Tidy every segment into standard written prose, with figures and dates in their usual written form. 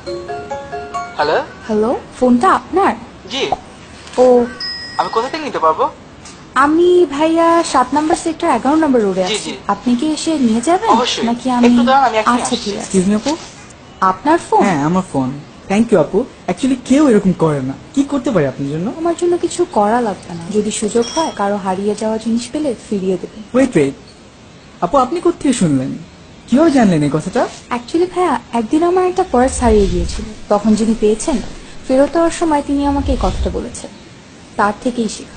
Hello. Hello, ফোনটা আপনার? জি। ও, আমি কোথা থেকে নিতে পারবো? আমি ভাইয়া 7 নম্বর সেক্টর 11 নম্বর রোডে জি, আছি। জি। আপনি কি এসে নিয়ে যাবেন অবশ্যই। নাকি আমি? একটু দাঁড়ান, আমি এখনই আচ্ছা আসছি। ঠিক আছে। এক্সকিউজ মি আপু। আপনার ফোন? হ্যাঁ আমার ফোন। থ্যাংক ইউ আপু। অ্যাকচুয়ালি কেউ এরকম করে না। কি করতে পারি আপনার জন্য? আমার জন্য কিছু করা লাগবে না, যদি সুযোগ হয় কারো হারিয়ে যাওয়া জিনিস পেলে ফিরিয়ে দেবেন। ওয়েট ওয়েট, আপু আপনি কোত্থেকে শুনলেন? কিভাবে জানলেন এই কথাটা? অ্যাকচুয়ালি ভাইয়া, একদিন আমার একটা পার্স হারিয়ে গিয়েছিল, তখন যিনি পেয়েছেন ফেরত দেওয়ার সময় তিনি আমাকে এই কথাটা বলেছেন, তার থেকেই শেখা।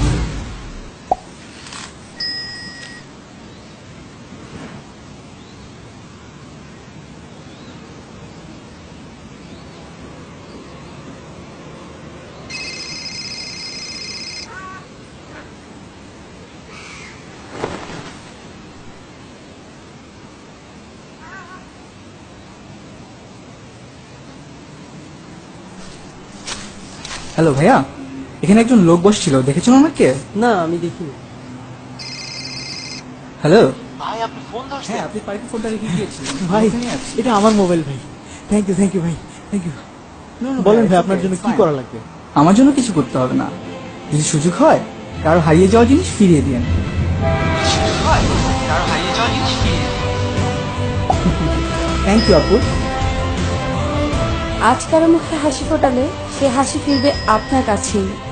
হ্যালো ভাইয়া, এখানে একজন লোক বসছিল, দেখেছেন ওনাকে? না আমি দেখিনি। হ্যালো। ভাই আপনি ফোন ধরছেন? হ্যাঁ আপনি পার্কে ফোনটা রেখে গিয়েছিলেন। ভাই ওখানেই আছি। এটা আমার মোবাইল ভাই। থ্যাংক ইউ ভাই, থ্যাংক ইউ। No, no, বলেন ভাই it's আপনার okay, জন্য it's কি fine. করা লাগবে? আমার জন্য কিছু করতে হবে না, যদি সুযোগ হয় কারো হারিয়ে যাওয়া জিনিস ফিরিয়ে দিন। হয়, কারো হারিয়ে যাওয়া জিনিস ফিরিয়ে দিন। থ্যাংক ইউ আপু। আজ কারো মুখে হাসি ফোটালে সে হাসি ফিরবে আপনার কাছেই।